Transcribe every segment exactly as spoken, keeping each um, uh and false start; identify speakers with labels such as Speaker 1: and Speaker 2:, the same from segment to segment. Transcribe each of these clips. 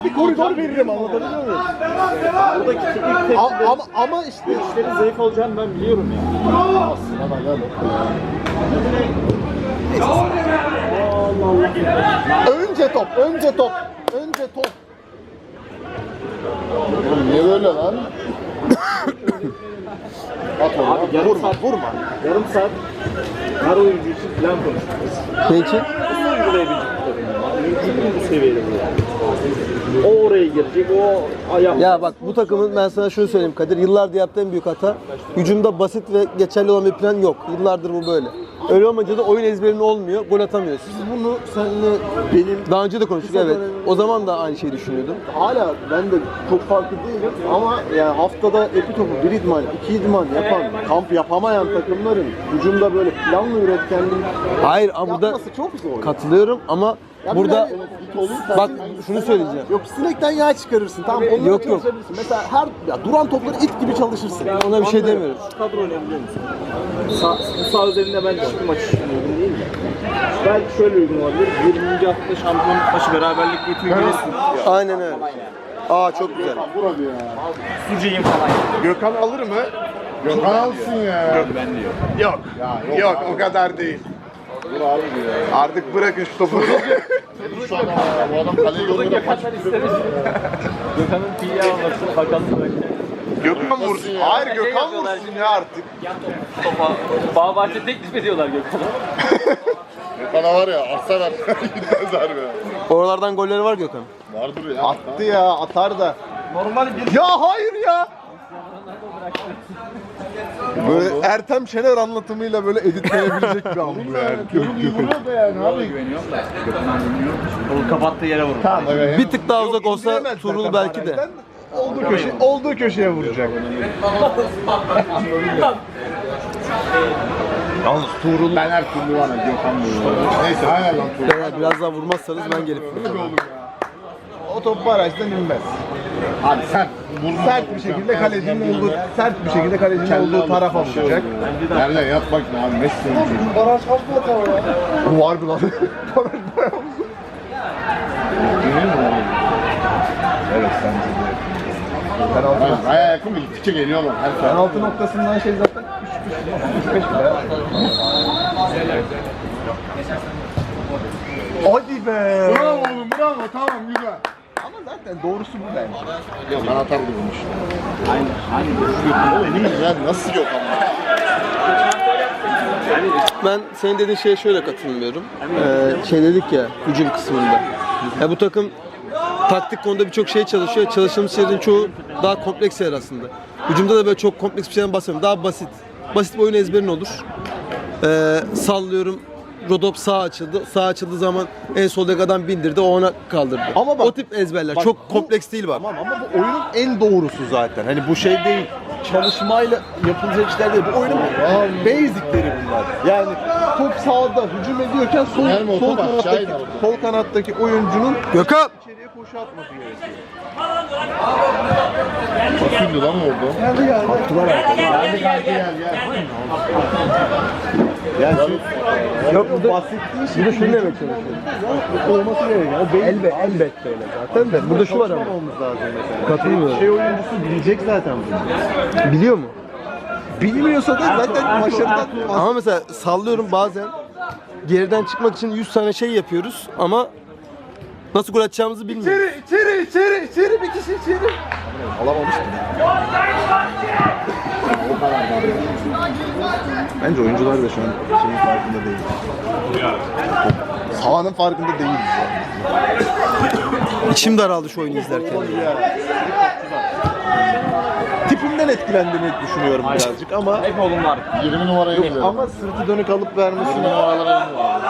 Speaker 1: Bir koridor veririm, anlatabiliyor muyum?
Speaker 2: Buradaki teknik tek
Speaker 1: A- ama, ama işte
Speaker 2: işlerin zayıf olacağını ben biliyorum ya.
Speaker 1: aslında gel. Önce top, önce top, önce top. Oğlum niye böyle lan? At onu,
Speaker 2: Abi yarım
Speaker 1: vurma,
Speaker 2: saat,
Speaker 1: vurma.
Speaker 2: yarım saat her oyuncu için plan konuşuyoruz.
Speaker 3: Ne için?
Speaker 2: Nasıl uygulayabilecek bu takım? Mümkün bu seviyede bu yani. O oraya girecek, o ayağım.
Speaker 3: Ya bak bu takımın ben sana şunu söyleyeyim Kadir. Yıllardır yaptığı en büyük hata. Hücumda basit ve geçerli olan bir plan yok. Yıllardır bu böyle. Öyle olmayınca da oyun ezberinin olmuyor. Gol atamıyorsun.
Speaker 1: Bunu seninle benim
Speaker 3: Daha önce de konuştuk evet. O zaman da aynı şeyi düşünüyordum.
Speaker 1: hala ben de çok farklı değilim ama yani haftada epi topu bir idman, iki idman yapan, kamp yapamayan takımların hücumda böyle planlı üretkenliği
Speaker 3: Hayır ama burada
Speaker 1: yapması çok zor.
Speaker 3: katılıyorum ama
Speaker 1: Ya
Speaker 3: burada
Speaker 1: bir de it olursa-
Speaker 3: bak şunu söyleyeceğim.
Speaker 1: Yok sinekten yağ çıkarırsın. Tamam onları
Speaker 3: Yok, yok.
Speaker 1: çalışabilirsin. Mesela her ya duran topları it gibi çalışırsın.
Speaker 3: Ben ona bir şey demiyorum.
Speaker 2: Şu kadro önemli biliyor musun? Sağ, bu sağ üzerinde bence hiçbir maç için uygun değil mi? Belki şöyle uygun olabilir. yirminci hafta şampiyonluk maçı beraberlik getiriyor.
Speaker 3: Aynen öyle. Aa çok güzel.
Speaker 1: Burada ya.
Speaker 2: Sucuyum falan.
Speaker 4: Gökhan alır mı?
Speaker 1: Gökhan alsın ya.
Speaker 4: Yok ben diyor. Yok.
Speaker 1: Ya, yok,
Speaker 4: yok
Speaker 1: abi.
Speaker 4: o kadar değil.
Speaker 1: Dur abi ya.
Speaker 4: Artık bırakın şu topu.
Speaker 1: Şu adam, bu adam kaleye
Speaker 2: Burada
Speaker 1: gönderiyor.
Speaker 2: Gökhan'dan isteriz. Gökhan'ın P R olmasını bakalım bırakacak.
Speaker 4: Gökhan vursun.
Speaker 1: ya?
Speaker 4: Hayır
Speaker 2: Şey
Speaker 4: Gökhan
Speaker 2: yapıyorlar
Speaker 4: vursun
Speaker 2: şimdi.
Speaker 4: ya artık.
Speaker 2: Topa, Bağbahçe teklif ediyorlar Gökhan'a.
Speaker 1: Gökhan'a var ya atsa ver. Gitmez harbi.
Speaker 3: Oralardan golleri var Gökhan.
Speaker 1: Vardır ya. Attı ya atar da.
Speaker 2: Normal bir
Speaker 1: Ya hayır ya. Böyle Ertem Şener anlatımıyla böyle editlenebilecek bir an bu yani. Vuruyor da yani abi.
Speaker 2: güveniyorum da. Gökhan'a güveniyorum. Kolu kapattığı yere vurur.
Speaker 1: Tamam.
Speaker 3: Bir tık daha uzak olsa Tuğrul belki de.
Speaker 1: Olduğu köşe, olduğu köşeye vuracak. Yalnız Tuğrul ben her türlü var ya Gökhan vuruyor. Neyse hayal lan Tuğrul.
Speaker 3: Eğer biraz daha vurmazsanız ben gelip vuracağım.
Speaker 1: O top barajdan inmez. Abi sert, sert bir şekilde kalecinin olduğu, sert bir şekilde kalecinin olduğu tarafa vuracak.
Speaker 5: Nerede yat bak abi Messi.
Speaker 1: Baraj kaç metre var ya? Bu var mı lan? Baraj bayağı uzun.
Speaker 5: Evet bence de.
Speaker 1: Penaltı,
Speaker 5: Baya, baya yakın bir gittikçe geliyorlar. Her saat.
Speaker 1: penaltı noktasından şey zaten üç beş bile. Hadi be!
Speaker 5: Bravo oğlum bravo tamam güzel.
Speaker 1: Ama zaten doğrusu bu bence.
Speaker 5: Ya ben atardım bunu işte. Aynen. Aynen. Oğlum emin misin ya nasıl yok ama?
Speaker 3: Ben senin dediğin şeye şöyle katılmıyorum. Ee, şey dedik ya hücum kısmında. Ya bu takım taktik konuda birçok şey çalışıyor. Çalıştığımız şeylerin çoğu daha kompleks şeyler aslında. Hücumda da böyle çok kompleks bir şeyden bahsetmiyorum. Daha basit. Basit bir oyun ezberin olur. Ee, sallıyorum. Rodop sağ açıldı. Sağ açıldığı zaman en soldaki adam bindirdi. O ona kaldırdı.
Speaker 1: Ama bak-
Speaker 3: o tip ezberler.
Speaker 1: bak
Speaker 3: çok
Speaker 1: bu-
Speaker 3: kompleks değil bak.
Speaker 1: Tamam ama bu oyunun en doğrusu zaten. Hani bu şey değil. Çalışmayla yapılacak işler değil. Bu oyunun basicleri bunlar. Yani top sağda hücum ediyorken sol,
Speaker 5: Yani
Speaker 1: sol,
Speaker 5: o top
Speaker 1: kanattaki,
Speaker 5: aşağıyla oldu.
Speaker 1: sol kanattaki oyuncunun
Speaker 3: Gökhan!
Speaker 1: içeriye koşu atması gerekiyor.
Speaker 5: Fasulye lan orada.
Speaker 1: Geldi geldi. Baktılar
Speaker 5: Geldi geldi gel gel.
Speaker 1: Yani şu, yok bu basit değil.
Speaker 3: Bir de şunu demek çalışıyorum.
Speaker 1: Olması gerekiyor. O beyin
Speaker 3: Elbet, elbette öyle zaten de. Burada şu var ama.
Speaker 1: olmamız lazım mesela.
Speaker 3: Katılmıyorum.
Speaker 1: Şey oyuncusu bilecek zaten bunu.
Speaker 3: Biliyor mu?
Speaker 1: Bilmiyorsa da zaten başarıdan
Speaker 3: Ama mesela sallıyorum bazen geriden çıkmak için yüz tane şey yapıyoruz ama nasıl gol atacağımızı bilmiyoruz.
Speaker 1: İçeri, içeri, içeri, bir kişi içeri. Alamamıştım. Bence oyuncular da şu an şeyin farkında değil. Sahanın farkında değil.
Speaker 3: İçim daraldı şu oyunu izlerken.
Speaker 1: Tipimden etkilendiğini düşünüyorum birazcık ama
Speaker 2: Hep oğlum var.
Speaker 5: yirmi numaraya
Speaker 1: yok,
Speaker 5: gidiyorum.
Speaker 1: ama sırtı dönük alıp vermesi
Speaker 5: Numaralara iniyor.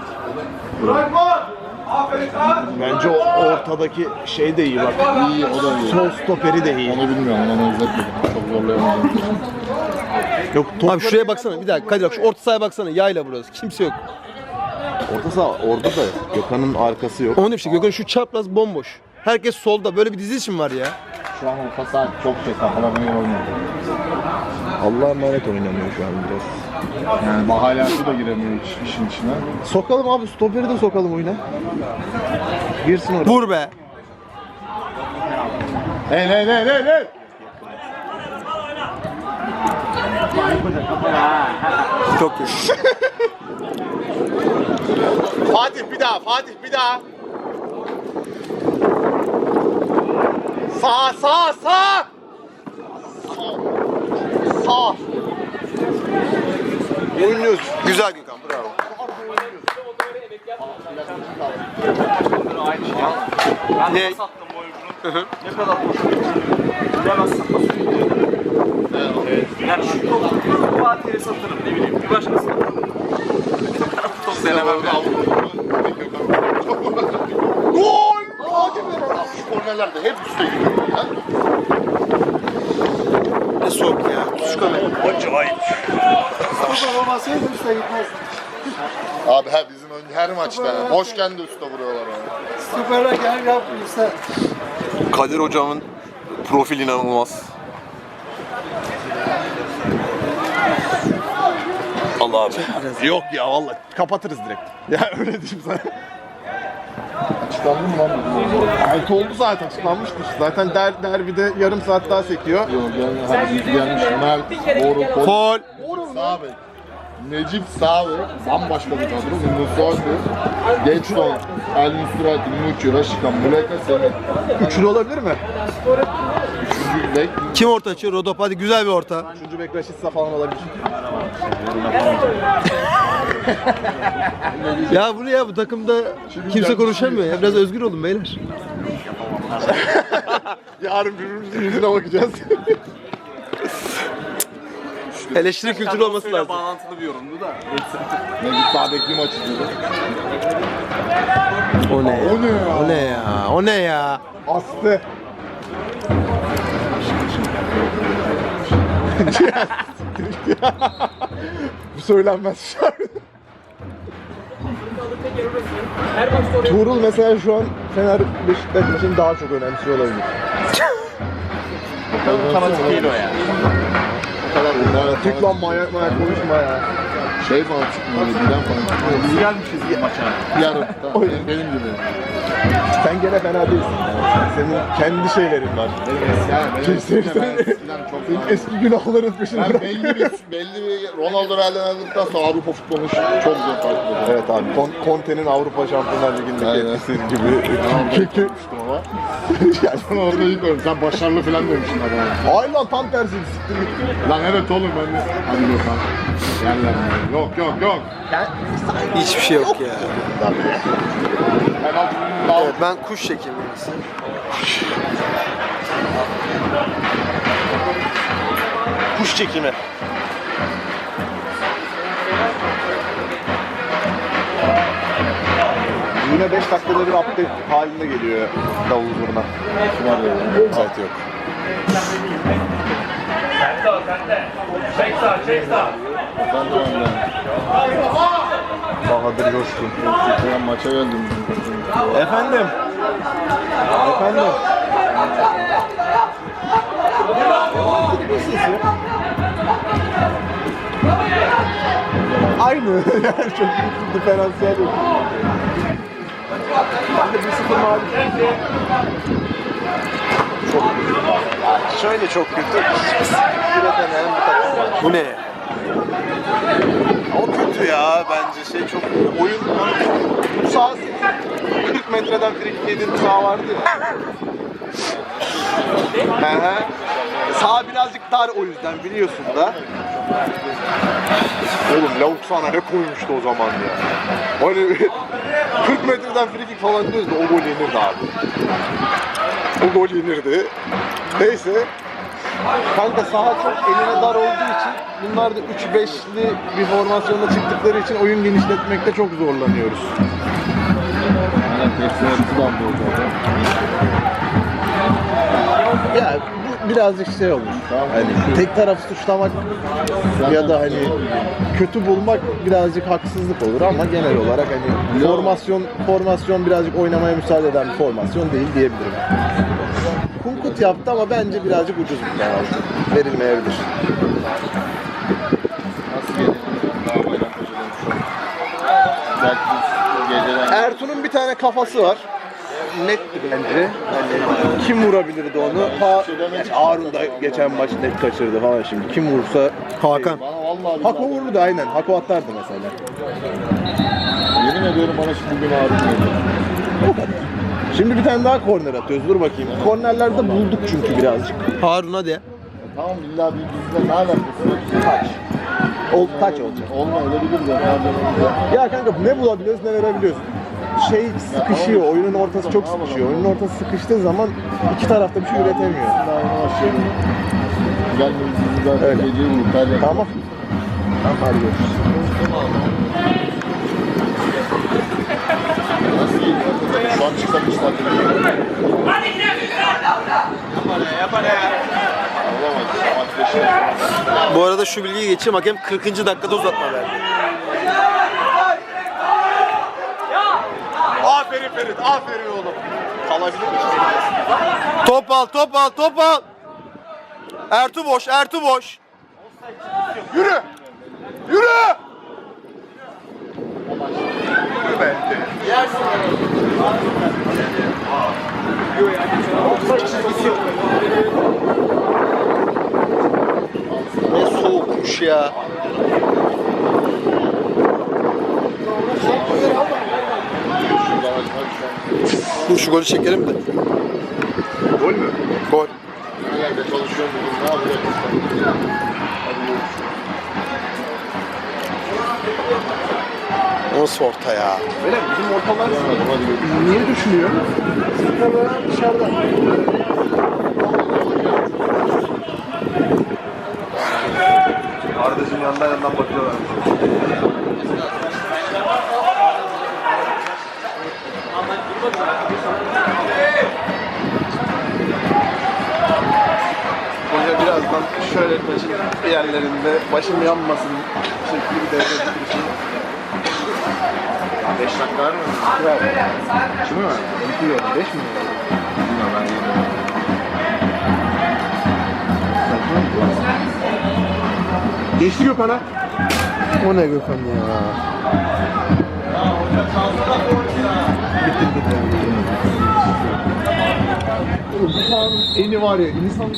Speaker 1: bence o ortadaki şey de iyi bak.
Speaker 5: İyi o da iyi.
Speaker 1: Sol stoperi de iyi.
Speaker 5: Onu bilmiyorum onu izletmedim. Çok zorlayamadım.
Speaker 1: Yok
Speaker 3: Abi şuraya baksana bir dakika Kadir bak şu orta sahaya baksana yayla burası kimse yok.
Speaker 1: orta saha orada da Gökhan'ın arkası yok.
Speaker 3: Onun için Gökhan şu çapraz bomboş. Herkes solda böyle bir dizilişim var ya.
Speaker 5: Şu an orta saat çok şey kafalarına oynuyor.
Speaker 1: Allah'a emanet oynamıyor şu an biraz.
Speaker 5: Yani Mahalası da giremiyor hiç işin içine.
Speaker 1: Sokalım abi stoperi de sokalım oyuna. Girsin oraya.
Speaker 3: Vur be.
Speaker 4: Hey hey hey hey hey.
Speaker 3: Çok kötü.
Speaker 4: Fatih bir daha, Fatih bir daha. Sağ, sağ, sağ. Sağ. Oynuyoruz.
Speaker 3: Güzel Gökhan, bravo.
Speaker 2: Aynı şey ya. Ben
Speaker 3: Ne?
Speaker 2: ne? sattım bu oyunu. Ne kadar bilemezsem nasıl evet. Yani şu topu Fatih'e satırım ne bileyim bir başkasına. Top denemem yani.
Speaker 4: Gol! Fatih be. Şu kornerlerde hep üstte gidiyor ya.
Speaker 3: Ne soğuk ya. Şu kamera.
Speaker 4: Acayip. Abi her bizim ön- her maçta boşken de üstte vuruyorlar yani.
Speaker 1: Kadir hocamın profil inanılmaz. Allah abi. Yok ya vallahi kapatırız direkt. Ya öyle diyeyim sana.
Speaker 4: Açıklandı mı lan?
Speaker 1: Altı oldu zaten açıklanmıştır. Zaten der, derbide yarım saat daha sekiyor.
Speaker 4: Yok yani hadi gelmiş Mert, Boru,
Speaker 3: Fol.
Speaker 4: Sağ bek. Necip sağ bek. Bambaşka bir kadro. Musoydu. Geçton, El Nusrat, Muçi, Raşikan, Muleka, Senet.
Speaker 1: Üçlü olabilir mi?
Speaker 4: Üçüncü bek.
Speaker 3: Kim orta açıyor? Rodop, hadi güzel bir orta.
Speaker 1: Üçüncü bek Raşitsa falan olabilir.
Speaker 3: Ya bu ne ya, bu takımda kimse konuşamıyor ya. Biraz özgür olun beyler.
Speaker 1: Yarın birbirimizin yüzüne bakacağız.
Speaker 3: Eleştiri kültürü olması lazım.
Speaker 2: Bağlantılı bir yorumdu da.
Speaker 4: Necip sağ bekli maç izledi.
Speaker 3: O ne ya?
Speaker 4: O ne ya?
Speaker 3: O ne ya? O ne ya?
Speaker 1: Astı. Bu söylenmez şarkı. Tuğrul mesela şu an Fener Beşiktaş maçını daha çok önemsiyor olabilir.
Speaker 2: Fanatik değil o ya.
Speaker 4: O kadar bunlar.
Speaker 1: Türk lan manyak manyak konuşma ya.
Speaker 4: Şey falan çıkmıyor. Bilen falan çıkmıyor.
Speaker 2: Biz gelmişiz maça.
Speaker 4: Yarın. Tamam, benim, benim gibi.
Speaker 1: Sen gene fena değilsin. Senin kendi şeylerin var.
Speaker 4: Yani benim
Speaker 1: Kimse-
Speaker 4: eskiden ben eskiden çok
Speaker 1: Senin
Speaker 4: daha-
Speaker 1: eski günahların peşinde
Speaker 4: Ben
Speaker 1: bırak.
Speaker 4: belli bir, belli bir Ronaldo Real'den aldıktan sonra Avrupa futbolunu çok zor takip ediyorum.
Speaker 1: Evet abi, Kon- Conte'nin Avrupa Şampiyonlar Ligi'ndeki
Speaker 4: Aynen.
Speaker 1: etkisi gibi. Kötü.
Speaker 4: ama. Yani sen orada ilk öyle. Sen başarılı falan demişsin adama.
Speaker 1: Hayır lan, tam tersi. Siktir git.
Speaker 4: Lan evet oğlum ben de. Hadi Gökhan. Gel lan. Yok yok yok.
Speaker 3: Hiçbir şey yok ya.
Speaker 4: Hemen dal.
Speaker 3: Evet, ben kuş çekeyim biraz.
Speaker 1: Kuş çekimi. Yine beş dakikada bir update halinde geliyor davul zurna. Evet, yok.
Speaker 4: Ben de öyle.
Speaker 1: Bahadır Coşkun.
Speaker 4: Ben maça geldim.
Speaker 1: Efendim. Efendim. Aynı. Yani çok büyük bir diferansiyel yok. Ben de bir sıfır mağlup. Çok kötü. Yani şöyle çok kötü. Hiçbir edemeyen bir takım var.
Speaker 3: Bu ne?
Speaker 1: O kötü ya bence şey çok oyun bu sahası kırk metreden frikik yediğin bir saha vardı ya. Hı hı. Saha birazcık dar o yüzden biliyorsun da. Oğlum lavuk sana ne koymuştu o zaman ya. Hani kırk metreden frikik falan diyoruz da o gol yenirdi abi. O gol yenirdi. Neyse. Kanka saha çok eline dar olduğu için bunlar da üç beşli bir formasyonda çıktıkları için oyun genişletmekte çok zorlanıyoruz.
Speaker 4: Evet, hepsine tutan bu arada.
Speaker 1: Ya bu birazcık şey olmuş. Hani tek tarafı suçlamak ya da hani kötü bulmak birazcık haksızlık olur ama genel olarak hani formasyon formasyon birazcık oynamaya müsaade eden bir formasyon değil diyebilirim. Kunkut yaptı ama bence birazcık ucuz bir penaltı. Verilmeyebilir.
Speaker 4: Nasıl geliyor? Daha bayram kocadan şu an. Belki biz geceden...
Speaker 1: Ertuğ'un bir tane kafası var. Netti bence. Hani kim vurabilirdi onu? Ha, yani Harun da geçen maç net kaçırdı falan şimdi. Kim vursa
Speaker 3: Hakan.
Speaker 4: Bana vallahi
Speaker 1: Hako
Speaker 4: billahi-
Speaker 1: vururdu aynen. Hako atardı mesela.
Speaker 4: Yemin ediyorum bana şimdi bugün ağrım geliyor.
Speaker 1: Şimdi bir tane daha korner atıyoruz. Dur bakayım. Kornerlerde bulduk çünkü birazcık.
Speaker 3: Harun hadi.
Speaker 4: Tamam illa bir bizle ne alakası var?
Speaker 1: Taç. Ol, taç olacak.
Speaker 4: Olmayabilir de. nereden-
Speaker 1: Ya kanka ne bulabiliyoruz ne verebiliyoruz. Şey sıkışıyor. Oyunun ortası çok sıkışıyor. Oyunun ortası sıkıştığı zaman iki tarafta bir şey üretemiyor.
Speaker 4: Daha yeni başlayalım. Gelmeyiz biz zaten
Speaker 1: Öyle.
Speaker 4: geceyi muhtar yapalım.
Speaker 1: Tamam. Tamam hadi görüşürüz.
Speaker 4: Nasıl geliyor? Şu an çıksam hiç takip edemiyorum. Olamadı. Maç beşe.
Speaker 3: Bu arada şu bilgiyi geçeyim. Hakem kırkıncı dakikada uzatma verdi.
Speaker 1: Aferin Ferit, aferin oğlum. Kalabilir mi?
Speaker 3: Top al, top al, top al. Ertuğ boş, Ertuğ boş.
Speaker 1: Yürü! Yürü! Yürü be.
Speaker 3: Ne soğukmuş ya.
Speaker 4: Şuradan açmak şu an.
Speaker 3: Dur şu golü çekelim de.
Speaker 1: Gol mü?
Speaker 3: Gol.
Speaker 4: Nerede çalışıyorum bugün? Ne yapacağız? Hadi görüşürüz.
Speaker 3: Nasıl orta ya?
Speaker 1: Öyle mi? Bizim ortalar
Speaker 4: Hadi, hadi görüşürüz.
Speaker 1: niye düşünüyor? Muhtemelen dışarıdan. Kardeşim yandan yandan bakıyorlar. Hoca birazdan şöyle taşın yerlerinde başım yanmasın şekli bir devre tutuşu. beş dakika var mı? Var. Şunu mu? iki gördüm. beş mi? Bilmiyorum ben yine. Geçti Gökhan'a.
Speaker 3: O ne Gökhan ya?
Speaker 1: Bitti bitti. Bu sahanın eni var ya, insan